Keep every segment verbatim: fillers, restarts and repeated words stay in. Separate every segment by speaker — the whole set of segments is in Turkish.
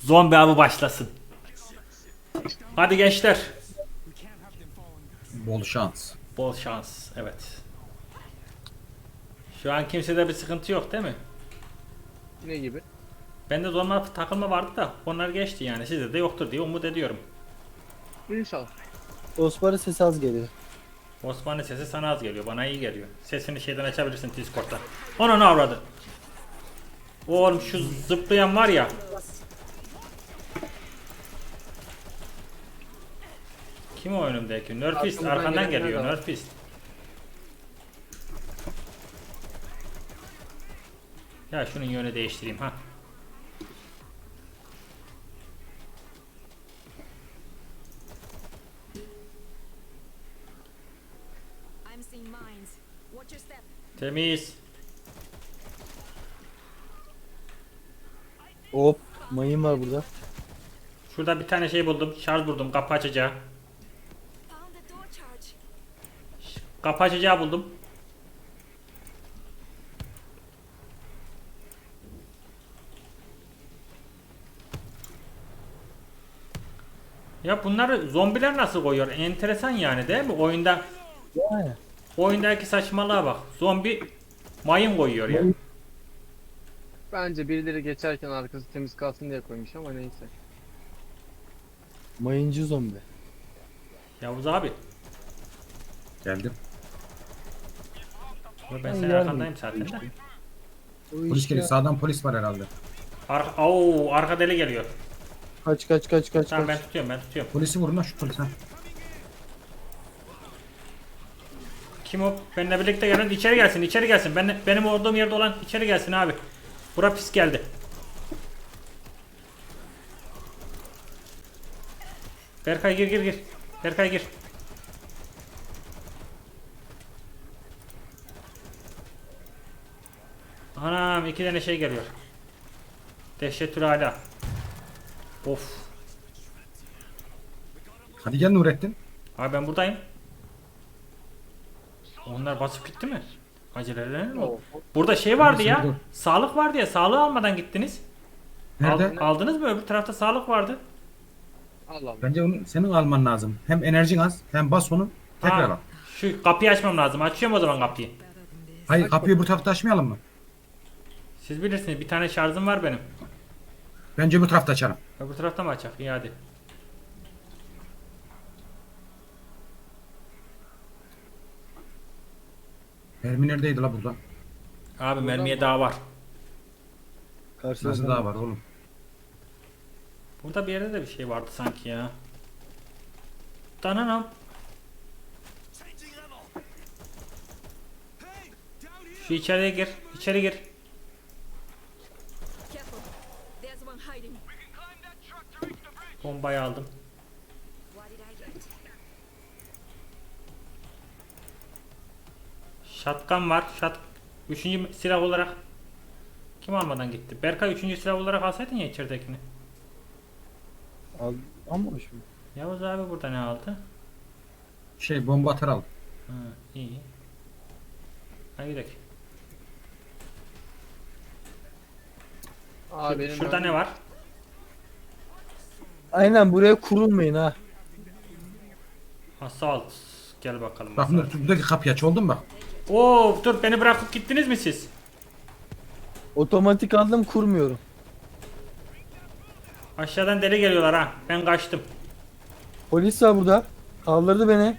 Speaker 1: Zombi avı başlasın. Hadi gençler.
Speaker 2: Bol şans.
Speaker 1: Bol şans. Evet. Şu an kimsede bir sıkıntı yok değil mi?
Speaker 3: Ne gibi?
Speaker 1: Bende zorla takılma vardı da onlar geçti yani. Sizde de yoktur diye umut ediyorum.
Speaker 3: İnşallah.
Speaker 4: Osman'ın sesi az geliyor.
Speaker 1: Osman'ın sesi sana az geliyor. Bana iyi geliyor. Sesini şeyden açabilirsin Discord'da. Ona ne avradı? Oğlum şu zıplayan var ya. Kim o önümdeki? Nerfist
Speaker 3: Arkamızdan
Speaker 1: arkandan
Speaker 3: gelenler
Speaker 1: geliyor.
Speaker 3: de var.
Speaker 1: Nerfist. Ya şunun yönü değiştireyim ha.
Speaker 5: I'm seeing mines. Watch your step.
Speaker 1: Temiz.
Speaker 4: Hop. Mayın var burada.
Speaker 1: Şurada bir tane şey buldum. Şarj buldum. Kapı açacağı.
Speaker 5: Found the door charge.
Speaker 1: Kapı açacağı buldum. Ya bunları zombiler nasıl koyuyor? Enteresan yani değil mi? Oyunda
Speaker 4: Yani.
Speaker 1: oyundaki saçmalığa bak. Zombi mayın koyuyor ya.
Speaker 3: Bence birileri geçerken arkası temiz kalsın diye koymuş ama neyse.
Speaker 4: Mayıncı zombi.
Speaker 1: Yavuz abi.
Speaker 2: Geldim.
Speaker 1: Ben
Speaker 4: Ben
Speaker 1: senin
Speaker 4: geldim.
Speaker 1: arkandayım zaten de.
Speaker 4: O
Speaker 2: Polis
Speaker 4: işte-
Speaker 2: geliyor. Sağdan polis var herhalde.
Speaker 1: Ar Oo, arka deli geliyor.
Speaker 4: Kaç kaç kaç kaç
Speaker 1: Tamam ben
Speaker 4: kaç.
Speaker 1: tutuyorum ben tutuyorum.
Speaker 2: Polisi vurun lan şu polise.
Speaker 1: Kim o? Benimle birlikte gelen içeri gelsin içeri gelsin. Ben, benim olduğum yerde olan içeri gelsin abi. Bura pis geldi. Berkay gir gir gir. Berkay gir. Anam iki tane şey geliyor. Dehşetül ala. Of.
Speaker 2: Hadi gel Nurettin.
Speaker 1: Abi ben buradayım. Onlar basıp gitti mi? Aceleler mi? oldu? Burada şey vardı ya.
Speaker 2: Dur.
Speaker 1: Sağlık vardı ya. Sağlığı almadan gittiniz.
Speaker 2: Nerede?
Speaker 1: Al- aldınız mı? Öbür tarafta sağlık vardı.
Speaker 3: Allah Allah.
Speaker 2: Bence onu senin alman lazım. Hem enerjin az hem bas onu. Tekrar
Speaker 1: Ha,
Speaker 2: al.
Speaker 1: şu kapıyı açmam lazım. Açıyorum o zaman kapıyı.
Speaker 2: Hayır kapıyı bu tarafta açmayalım mı?
Speaker 1: Siz bilirsiniz. Bir tane şarjım var benim.
Speaker 2: Bence bu tarafta açalım.
Speaker 1: Öbür tarafta mı açak? İyi hadi.
Speaker 2: Mermi neredeydi la burada?
Speaker 1: Abi mermiye daha var.
Speaker 4: Karşıda
Speaker 2: Nasıl daha var oğlum?
Speaker 1: Burada bir yerde de bir şey vardı sanki ya. Dananam. Şu içeriye gir. İçeri gir.
Speaker 5: Careful. There's one hiding.
Speaker 1: Bombayı aldım.
Speaker 5: What did I get?
Speaker 1: Shotgun var. Shot üçüncü silah olarak kim almadan gitti? Berkay üçüncü silah olarak alsaydın ya içeridekini.
Speaker 4: Al, almamış mı?
Speaker 1: Yavuz abi burada ne aldı?
Speaker 2: Şey bomba atar al.
Speaker 1: Ha, iyi. Hadi gidelim.
Speaker 3: Aa, benim
Speaker 1: Şurada
Speaker 3: ben-
Speaker 1: ne var?
Speaker 4: Aynen buraya kurulmayın ha.
Speaker 1: Assault. Gel bakalım.
Speaker 2: Bak
Speaker 1: Assault.
Speaker 2: Nur, buradaki kapıyı aç oldu mu bak?
Speaker 1: Oo, dur beni bırakıp gittiniz mi siz?
Speaker 4: Otomatik aldım kurmuyorum.
Speaker 1: Aşağıdan deli geliyorlar ha. Ben kaçtım.
Speaker 4: Polis var burada. Kaldırdı beni.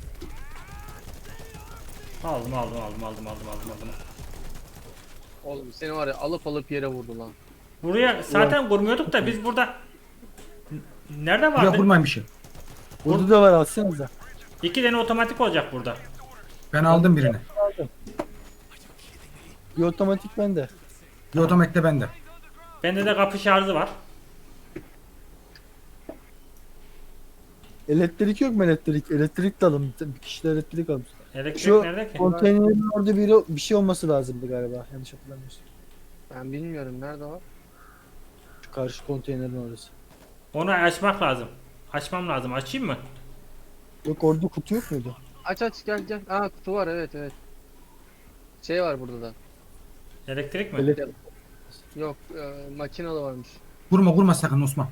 Speaker 1: Aldım aldım aldım aldım aldım aldım aldım.
Speaker 3: Oğlum seni var ya alıp alıp yere vurdu lan.
Speaker 1: Buraya zaten kurmuyorduk da biz burada N- nerede
Speaker 2: Buraya
Speaker 1: vardı?
Speaker 2: vurmayın bir şey.
Speaker 4: Burada da var alsanıza.
Speaker 1: İki tane otomatik olacak burada.
Speaker 2: Ben aldım birini.
Speaker 4: Bir otomatik bende.
Speaker 2: Bir otomatik de bende.
Speaker 1: Bende de kapı şarjı var.
Speaker 4: Elektrik yok mu elektrik? Elektrik de alın. Bir kişi de elektrik almış.
Speaker 1: Elektrik
Speaker 4: Şu
Speaker 1: nerede ki?
Speaker 4: konteynerin orada biri, bir şey olması lazımdı galiba. Yanlış hatırlamıyorsam.
Speaker 3: Ben bilmiyorum nerede o.
Speaker 4: Şu karşı konteynerin orası.
Speaker 1: Onu açmak lazım. Açmam lazım. Açayım mı?
Speaker 4: Yok orada kutu yok muydu?
Speaker 3: Aç aç gel gel. Aa kutu var evet evet. Şey var burada da.
Speaker 1: Elektrik mi?
Speaker 4: Elektrik.
Speaker 3: Yok e, makinalı varmış.
Speaker 2: Vurma vurma sakın Osman.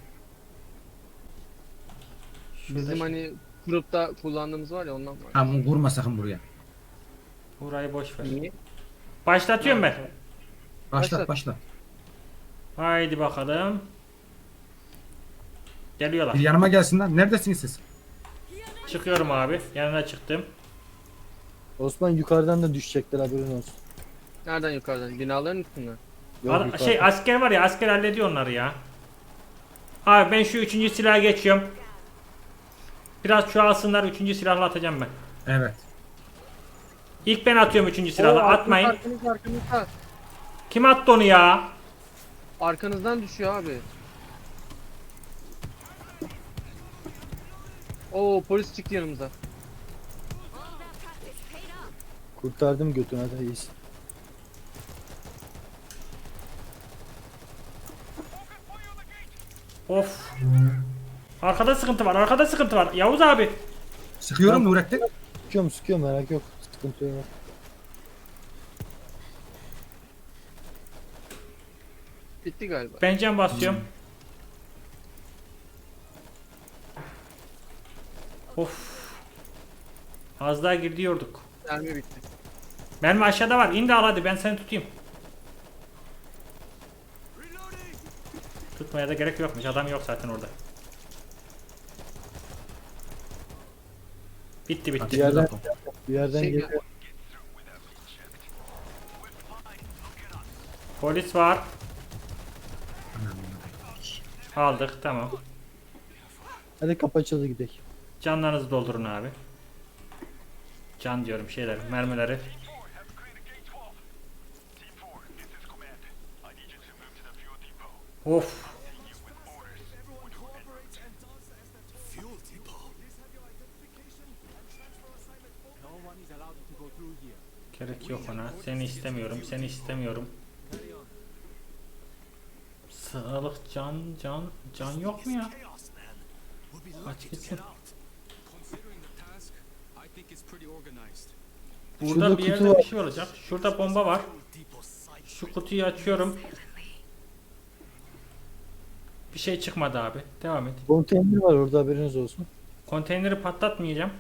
Speaker 1: Şurada
Speaker 3: Bizim
Speaker 1: şu-
Speaker 3: hani grupta kullandığımız var ya ondan var.
Speaker 2: Tamam vurma sakın buraya.
Speaker 1: Burayı boş ver.
Speaker 3: Niye?
Speaker 1: Başlatıyorum ben.
Speaker 2: Başlat
Speaker 3: Başlat.
Speaker 2: başlat.
Speaker 1: Haydi bakalım. Geliyorlar.
Speaker 2: Bir yanıma gelsinler. Neredesiniz siz?
Speaker 1: Çıkıyorum abi. Yanına çıktım.
Speaker 4: Osman yukarıdan da düşecekler haberin olsun.
Speaker 3: Nereden yukarıdan? Binaların üstünden.
Speaker 4: Yok,
Speaker 1: Ar-
Speaker 4: yukarıdan.
Speaker 1: şey asker var ya, asker hallediyor onları ya. Abi ben şu üçüncü silaha geçiyorum. Biraz çoğalsınlar, üçüncü silahla atacağım ben.
Speaker 2: Evet.
Speaker 1: İlk ben atıyorum üçüncü silahla.
Speaker 3: Oo, arkanız,
Speaker 1: Atmayın.
Speaker 3: Arkanız, arkanızda.
Speaker 1: Kim attı onu ya?
Speaker 3: Arkanızdan düşüyor abi. Oo polis çıktı yanımıza.
Speaker 5: All that practice paid off.
Speaker 4: Kurtardım götünü hadi iyisin.
Speaker 1: Of. Arkada sıkıntı var, arkada sıkıntı var. Yavuz abi.
Speaker 2: Sıkıyorum Nurettin.
Speaker 4: Sıkıyorum sıkıyorum merak yok. Sıkıntı yok.
Speaker 3: Bitti galiba.
Speaker 1: Ben can basıyorum. Of. Az daha gidiyorduk.
Speaker 3: Mermi bitti.
Speaker 1: Mermi aşağıda var. İn de al hadi, ben seni tutayım. Tutmaya da gerek yokmuş. Adam yok zaten orada. Bitti bitti.
Speaker 4: Bir yerden,
Speaker 2: Tamam.
Speaker 4: bir yerden
Speaker 3: Şey-
Speaker 4: geliyor.
Speaker 1: Polis var. Aldık, tamam.
Speaker 4: Hadi kapı açıldı gidelim.
Speaker 1: Canlarınızı doldurun abi. Can diyorum şeyler, mermileri. Of. Gerek yok ona. Seni istemiyorum, seni istemiyorum. Sağlık, can, can, can yok mu ya? Aç gitsin. Burada
Speaker 4: Şurada
Speaker 1: bir
Speaker 4: kutu
Speaker 1: yerde
Speaker 4: var.
Speaker 1: bir şey olacak. Şurada bomba var. Şu kutuyu açıyorum. Bir şey çıkmadı abi. Devam et.
Speaker 4: Konteyner var orada haberiniz olsun.
Speaker 1: Konteyneri patlatmayacağım.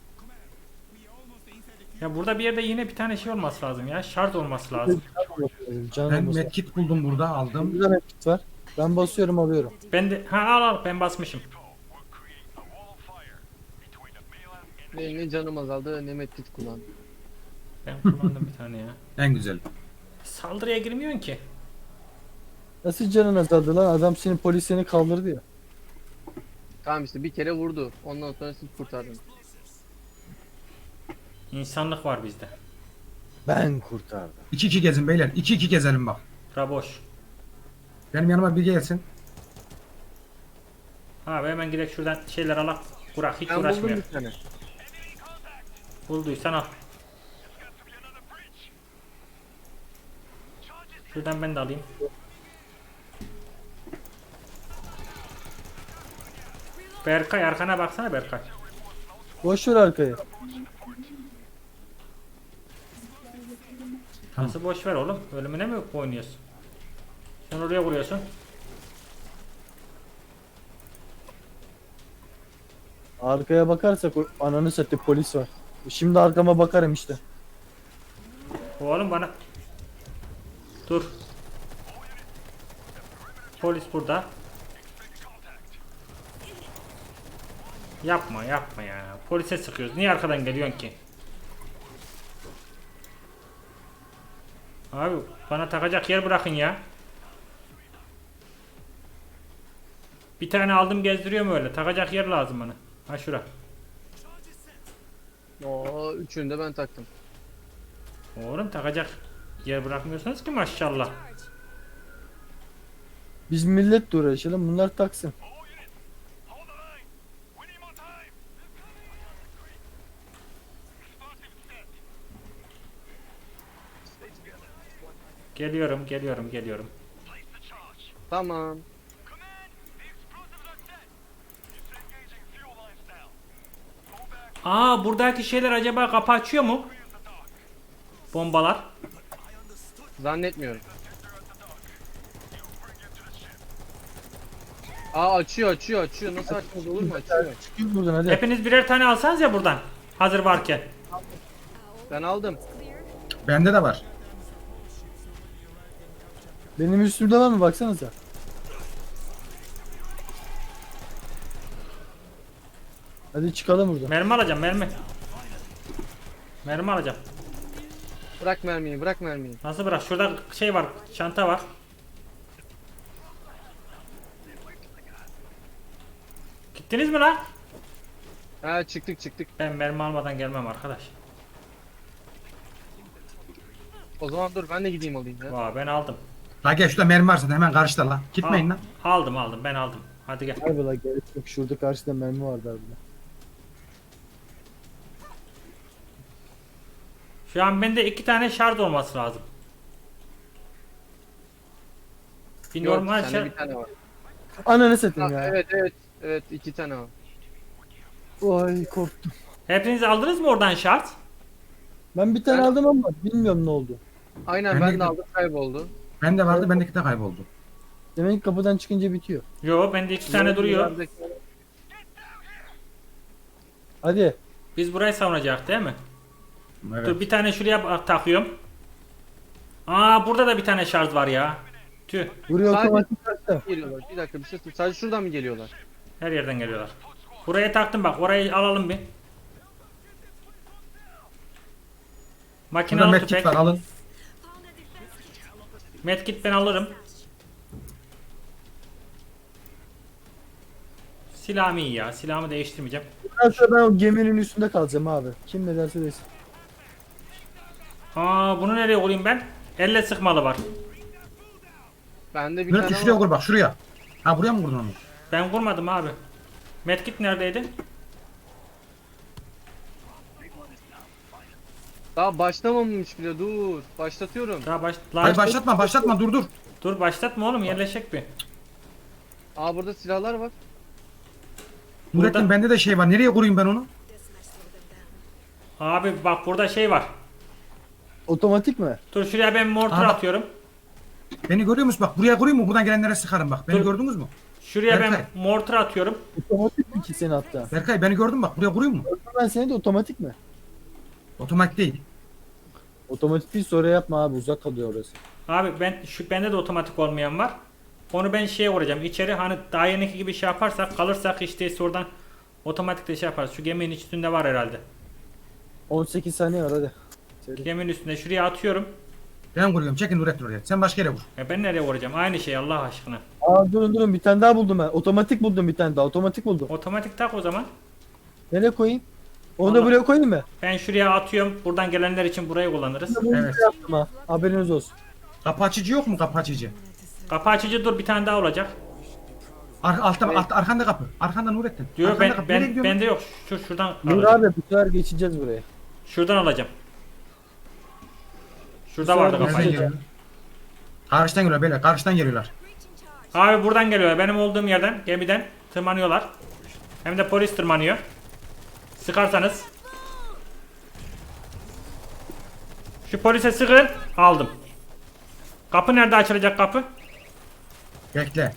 Speaker 1: Ya burada bir yerde yine bir tane şey olması lazım ya. Şart olması lazım.
Speaker 4: Can
Speaker 2: Ben
Speaker 4: olması.
Speaker 2: medkit buldum burada aldım.
Speaker 4: Burada medkit var. Ben basıyorum alıyorum.
Speaker 1: Ben de ha al al ben basmışım.
Speaker 3: Benim ne canım azaldı ne medkit kullandım.
Speaker 1: Ben kullandım bir tane ya.
Speaker 2: En güzel.
Speaker 1: Saldırıya girmiyorsun ki.
Speaker 4: Nasıl canın azaldı lan? Adam senin polis seni kaldırdı ya.
Speaker 3: Tamam işte bir kere vurdu. Ondan sonra siz kurtardınız.
Speaker 1: İnsanlık var bizde.
Speaker 4: Ben kurtardım.
Speaker 2: iki iki gezin beyler. iki iki gezelim bak.
Speaker 1: Bura boş.
Speaker 2: Benim yanıma bir gelsin.
Speaker 1: Abi hemen gidelim şuradan şeyler alak. Burak hiç
Speaker 3: Ben buldum
Speaker 1: uğraşmıyor.
Speaker 3: bir tane.
Speaker 1: Bulduysan al. Şuradan ben de alayım. Berkay arkana baksana Berkay.
Speaker 4: Boş ver arkayı.
Speaker 1: Nasıl boş ver oğlum? Ölümüne mi oynuyorsun? Sen oraya vuruyorsun.
Speaker 4: Arkaya bakarsak o ananı satayım polis var. Şimdi arkama bakarım işte.
Speaker 1: Oğlum bana. Dur. Polis burada. Yapma yapma ya. Polise sıkıyoruz. Niye arkadan geliyorsun ki? Abi bana takacak yer bırakın ya. Bir tane aldım gezdiriyorum öyle. Takacak yer lazım bana. Ha şura.
Speaker 3: Oo üçünü de ben taktım.
Speaker 1: Oğlum takacak yer bırakmıyorsunuz ki maşallah.
Speaker 4: Biz milletle uğraşalım bunlar taksın.
Speaker 1: Geliyorum geliyorum geliyorum.
Speaker 3: Tamam.
Speaker 1: Aa buradaki şeyler acaba kapı açıyor mu? Bombalar.
Speaker 3: Zannetmiyorum. Aa açıyor açıyor açıyor. Nasıl açmaz olur mu? Açıyor.
Speaker 4: Çıkıyoruz buradan hadi.
Speaker 1: Hepiniz birer tane alsanız ya buradan. Hazır varken.
Speaker 3: Ben aldım.
Speaker 2: Bende de var.
Speaker 4: Benim üstümde var mı baksanıza. Hadi çıkalım buradan.
Speaker 1: Mermi alacağım mermi. Mermi alacağım.
Speaker 3: Bırak mermiyi bırak mermiyi.
Speaker 1: Nasıl bırak? Şurada şey var. Çanta var. Gittiniz mi lan?
Speaker 3: Ha çıktık çıktık.
Speaker 1: Ben mermi almadan gelmem arkadaş.
Speaker 3: O zaman dur ben de gideyim alayım ya.
Speaker 1: Vay ben aldım.
Speaker 2: La gel şurada mermi varsa da hemen karşıda la. Gitmeyin
Speaker 1: Al-
Speaker 2: lan.
Speaker 1: Aldım aldım ben aldım. Hadi gel.
Speaker 4: Harbi la gerek yok. Şurada karşıda mermi vardı harbiden.
Speaker 1: Şu an bende iki tane şarj olması lazım. Bir
Speaker 3: Yok
Speaker 1: normal
Speaker 3: sende
Speaker 1: şarj.
Speaker 3: bir tane var.
Speaker 4: Ananı
Speaker 3: Ha,
Speaker 4: satayım ya.
Speaker 3: evet evet. Evet iki tane var.
Speaker 4: Vay korktum.
Speaker 1: Hepiniz aldınız mı oradan şarj?
Speaker 4: Ben bir tane
Speaker 3: Ben-
Speaker 4: aldım ama bilmiyorum ne oldu.
Speaker 3: Aynen
Speaker 2: Ben
Speaker 3: ben,
Speaker 2: de-
Speaker 3: de aldım kayboldu.
Speaker 2: Bende vardı bendeki de kayboldu.
Speaker 4: Demek ki kapıdan çıkınca bitiyor.
Speaker 1: Yo bende iki tane duruyor.
Speaker 3: Yerdeki-
Speaker 4: Hadi.
Speaker 1: Biz burayı savunacak değil mi?
Speaker 2: Evet.
Speaker 1: Dur bir tane şuraya bak- takıyorum. Aa burada da bir tane şarj var ya. Tüh.
Speaker 4: Buraya
Speaker 3: Sadece-
Speaker 4: otomatik kaçtı.
Speaker 3: Geliyorlar. Bir dakika bir şey söyle. Sadece şuradan mı geliyorlar?
Speaker 1: Her yerden geliyorlar. Buraya taktım bak orayı alalım bir. Makinalı
Speaker 2: Burada medkit
Speaker 1: tüfek.
Speaker 2: var alın.
Speaker 5: Found a defense kit.
Speaker 1: Medkit ben alırım. Silahım iyi ya. Silahımı değiştirmeyeceğim.
Speaker 4: Bundan sonra ben o geminin üstünde kalacağım abi. Kim ne derse desin.
Speaker 1: Aa bunu nereye koyayım ben? Elle sıkmalı var.
Speaker 3: Bende bir
Speaker 2: Nurettin
Speaker 3: tane
Speaker 2: şuraya
Speaker 3: var.
Speaker 2: kur bak şuraya. Ha buraya mı kurdun onu?
Speaker 1: Ben kurmadım abi. Medkit neredeydi?
Speaker 3: Daha başlamamış bile dur. Başlatıyorum.
Speaker 1: Daha baş... Lan-
Speaker 2: Hayır başlatma başlatma dur dur.
Speaker 1: Dur başlatma oğlum yerleşecek bir.
Speaker 3: Aa burada silahlar var.
Speaker 2: Nurettin
Speaker 1: Burada-
Speaker 2: bende de şey var. Nereye kurayım ben onu?
Speaker 1: Abi bak burada şey var.
Speaker 4: Otomatik mi?
Speaker 1: Dur şuraya ben mortar
Speaker 2: Aha.
Speaker 1: atıyorum.
Speaker 2: Beni görüyor musun? Bak buraya kurayım mı? Buradan gelenlere sıkarım bak. Beni
Speaker 1: Dur.
Speaker 2: gördünüz mü?
Speaker 1: Şuraya ben
Speaker 2: Berkay.
Speaker 1: mortar atıyorum.
Speaker 4: Otomatik mi ki seni hatta?
Speaker 2: Berkay beni gördün mü? Bak buraya kurayım mı?
Speaker 4: Ben seni de otomatik mi?
Speaker 2: Otomatik değil.
Speaker 4: Otomatik değil sonra yapma abi uzak kalıyor orası.
Speaker 1: Abi ben şu bende de otomatik olmayan var. Onu ben şeye vuracağım. İçeri hani daha yeniki gibi şey yaparsak kalırsak işte oradan otomatik de şey yaparız. Şu geminin üstünde var herhalde.
Speaker 4: on sekiz saniye var hadi. Seri.
Speaker 1: Geminin üstünde şuraya atıyorum.
Speaker 2: Ben kuruyorum. Çekin Nurettin oraya. Sen başka yere vur.
Speaker 1: Ya ben nereye vuracağım? Aynı şey Allah aşkına.
Speaker 4: Aa durun durun bir tane daha buldum ben. Otomatik buldum bir tane daha. Otomatik buldum.
Speaker 1: Otomatik tak o zaman.
Speaker 4: Nereye koyayım? Onu da
Speaker 1: Allah.
Speaker 4: buraya koyayım mı?
Speaker 1: Ben şuraya atıyorum. Buradan gelenler için burayı kullanırız.
Speaker 4: Bunu
Speaker 2: Evet.
Speaker 4: buraya yaptım ha. Haberiniz olsun.
Speaker 2: Kapı açıcı yok mu kapı açıcı?
Speaker 1: Kapı açıcı dur bir tane daha olacak.
Speaker 2: Ar altta, altta arkanda kapı. Arkanda Nurettin.
Speaker 1: Diyor
Speaker 2: Arkanda
Speaker 1: ben
Speaker 2: kapı. Nereye
Speaker 1: ben
Speaker 2: gidiyorsun?
Speaker 1: bende yok. Şu şuradan
Speaker 4: Dur
Speaker 1: alacağım.
Speaker 4: abi bu sefer geçeceğiz buraya.
Speaker 1: Şuradan alacağım. Şurada
Speaker 4: Güzel
Speaker 1: vardı
Speaker 4: bir
Speaker 2: Nereden
Speaker 1: kapı.
Speaker 4: şey.
Speaker 2: geliyor? Karşıdan geliyorlar beyler. Karşıdan geliyorlar.
Speaker 5: Breaching charge.
Speaker 1: Abi buradan geliyorlar. Benim olduğum yerden gemiden tırmanıyorlar. Hem de polis tırmanıyor. Sıkarsanız. Şu polise sıkın. Aldım. Kapı nerede açılacak kapı?
Speaker 2: Bekle.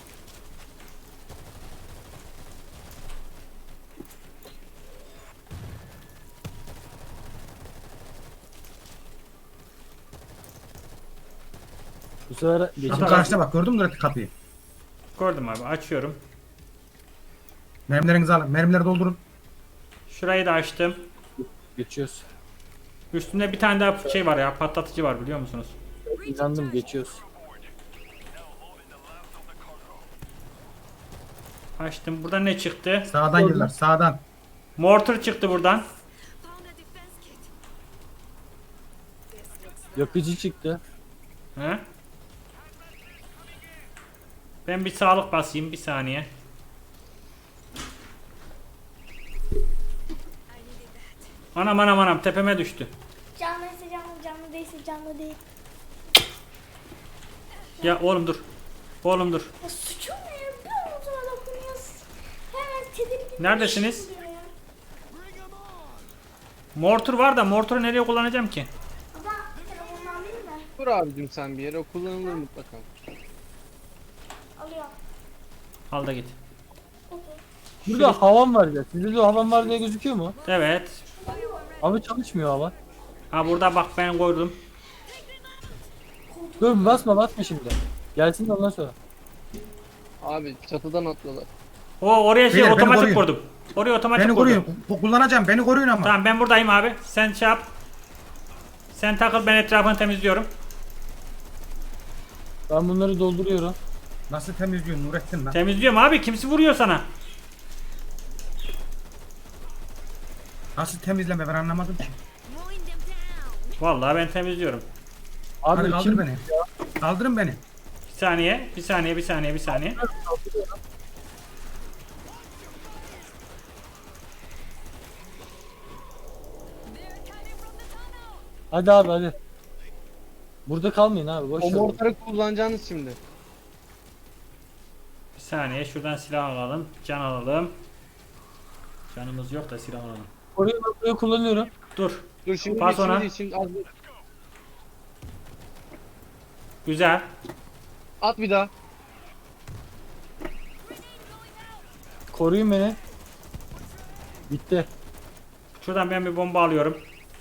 Speaker 4: Bu sefer
Speaker 2: Kapı
Speaker 4: geçeceğiz.
Speaker 2: karşıda bak. Gördün mü Nurettin kapıyı?
Speaker 1: Gördüm abi açıyorum.
Speaker 2: Mermilerinizi alın. Mermileri doldurun.
Speaker 1: Şurayı da açtım.
Speaker 4: Geçiyoruz.
Speaker 1: Üstünde bir tane daha şey var ya patlatıcı var biliyor musunuz?
Speaker 4: İnandım geçiyoruz.
Speaker 1: Açtım. Buradan ne çıktı?
Speaker 2: Sağdan geliyorlar. Sağdan.
Speaker 1: Mortar çıktı buradan.
Speaker 5: Found a defense kit. This looks
Speaker 4: Yakıcı çıktı.
Speaker 1: He? Ben bir sağlık basayım bir saniye.
Speaker 5: I needed that.
Speaker 1: Anam anam anam tepeme düştü.
Speaker 6: Canlıysa canlı, canlı değilse canlı değil.
Speaker 1: Ya oğlum dur. Oğlum dur.
Speaker 6: Ya suçum ne ya? Bir omuzuma dokunuyorsun. Hemen tedirgin.
Speaker 1: Neredesiniz?
Speaker 6: oluyor ya.
Speaker 1: Mortar var da mortarı nereye kullanacağım ki?
Speaker 6: Baba telefonunu alayım mı?
Speaker 3: Dur abicim sen bir yere o kullanılır mutlaka.
Speaker 6: Alıyorum.
Speaker 1: Al da git.
Speaker 4: Burada havan var ya. Sizde de havan var diye gözüküyor mu?
Speaker 1: Evet.
Speaker 4: Abi çalışmıyor hava.
Speaker 1: Ha burada bak ben koydum.
Speaker 4: Dur basma basma şimdi. Gelsin de ondan sonra.
Speaker 3: Abi çatıdan atlıyorlar.
Speaker 1: O oraya şey
Speaker 2: Beyler, beni
Speaker 1: otomatik
Speaker 2: koruyun.
Speaker 1: kurdum. Oraya otomatik
Speaker 2: Beni
Speaker 1: kurdum.
Speaker 2: koruyun. Bu- Kullanacağım. Beni koruyun ama.
Speaker 1: Tamam ben buradayım abi. Sen şey yap. Sen takıl, ben etrafını temizliyorum.
Speaker 4: Ben bunları dolduruyorum.
Speaker 2: Nasıl temizliyorsun Nurettin lan?
Speaker 1: Temizliyorum abi. Kimsi vuruyor sana?
Speaker 2: Nasıl temizleme ben anlamadım ki.
Speaker 5: Mowing them down.
Speaker 1: Vallahi ben temizliyorum.
Speaker 4: Abi
Speaker 2: Hadi kaldır
Speaker 4: kim?
Speaker 2: beni. Kaldırın beni.
Speaker 1: Bir saniye, bir saniye, bir saniye, bir saniye.
Speaker 5: They're coming from the tunnel.
Speaker 4: Hadi abi hadi. Burada kalmayın abi boş
Speaker 3: O
Speaker 4: ver.
Speaker 3: mortarı kullanacağınız şimdi.
Speaker 1: Bir saniye şuradan silah alalım. Can alalım. Canımız yok da silah alalım.
Speaker 4: Orayı ben buraya kullanıyorum.
Speaker 1: Dur.
Speaker 3: Dur şimdi
Speaker 1: Bas
Speaker 3: değil,
Speaker 1: ona.
Speaker 3: şimdi değil, şimdi az bir-
Speaker 1: Güzel.
Speaker 3: At bir daha.
Speaker 4: Koruyun beni. Bitti.
Speaker 1: Şuradan ben bir bomba alıyorum.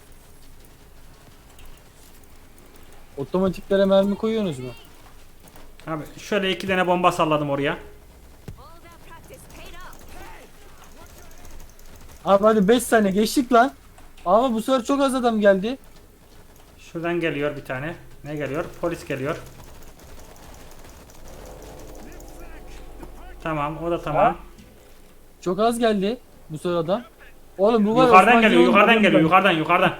Speaker 4: Otomatiklere mermi koyuyorsunuz mu?
Speaker 1: Abi şöyle iki tane bomba salladım oraya.
Speaker 5: All that practice paid off.
Speaker 4: Abi hadi beş saniye geçtik lan. Ama bu sefer çok az adam geldi.
Speaker 1: Şuradan geliyor bir tane. Ne geliyor? Polis geliyor. Tamam, o da tamam.
Speaker 4: Çok az geldi bu sefer adam. Oğlum bu var.
Speaker 1: Yukarıdan
Speaker 4: Osman
Speaker 1: geliyor,
Speaker 4: Yavuz'un
Speaker 1: yukarıdan
Speaker 4: adamı
Speaker 1: geliyor,
Speaker 4: ben-
Speaker 1: yukarıdan, yukarıdan.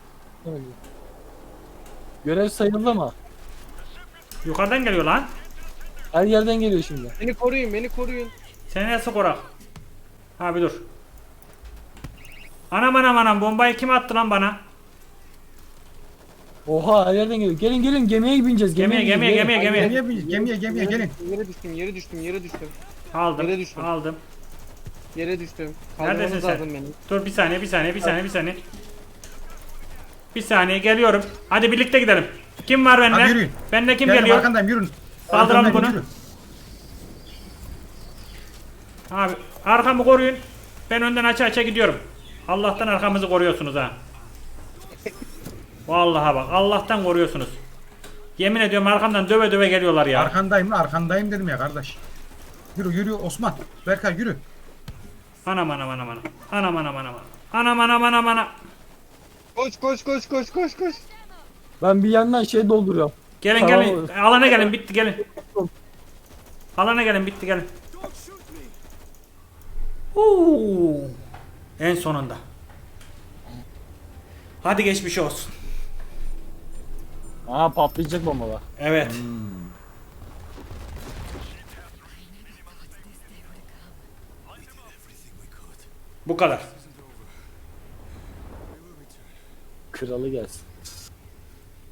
Speaker 4: Görev sayıldı mı?
Speaker 1: Yukarıdan geliyor lan.
Speaker 4: Her yerden geliyor şimdi.
Speaker 3: Beni koruyun, beni koruyun.
Speaker 1: Sen nasıl korak? Abi dur. Anam anam anam, bombayı kim attı lan bana?
Speaker 4: Oha her yerden geliyor. Gelin gelin gemiye bineceğiz.
Speaker 1: Gemiye,
Speaker 4: bineceğiz,
Speaker 1: gemiye,
Speaker 4: gelin.
Speaker 1: gemiye, gemiye.
Speaker 2: Gemiye bin- gemiye gemiye
Speaker 3: Yere
Speaker 2: gelin.
Speaker 3: düştüm, Yere düştüm, yere düştüm, yere düştüm.
Speaker 1: Aldım,
Speaker 3: Yere düştüm.
Speaker 1: aldım.
Speaker 3: Yere düştüm.
Speaker 1: Neredesin
Speaker 3: Kaldırmanız
Speaker 1: sen?
Speaker 3: lazım beni.
Speaker 1: Dur bir saniye, bir saniye, bir saniye, bir saniye. Bir saniye geliyorum. Hadi birlikte gidelim. Kim var
Speaker 2: Hadi
Speaker 1: benimle?
Speaker 2: yürüyün.
Speaker 1: Benimle kim
Speaker 2: Geldim
Speaker 1: geliyor?
Speaker 2: arkandayım yürün.
Speaker 1: Kaldıralım
Speaker 2: Arkamdan
Speaker 1: bunu.
Speaker 2: yürü.
Speaker 1: Abi arkamı koruyun. Ben önden aça aça gidiyorum. Allah'tan arkamızı koruyorsunuz ha. Vallahi bak Allah'tan koruyorsunuz. Yemin ediyorum arkamdan döve döve geliyorlar ya.
Speaker 2: Arkandayım lan arkandayım dedim ya kardeş. Yürü yürü Osman. Berkay yürü.
Speaker 1: Anam anam anam anam. Anam anam anam. Anam anam anam anam.
Speaker 3: Koş, koş, koş, koş, koş, koş.
Speaker 4: Ben bir yandan şey dolduruyorum.
Speaker 1: Gelin
Speaker 4: Tamam
Speaker 1: gelin.
Speaker 4: oğlum.
Speaker 1: Alana gelin bitti gelin. Alana gelin bitti gelin. Oo. En sonunda. Hadi geçmiş olsun.
Speaker 4: Aa patlayacak bombalar.
Speaker 1: Evet. Bu kadar.
Speaker 4: Kralı gelsin.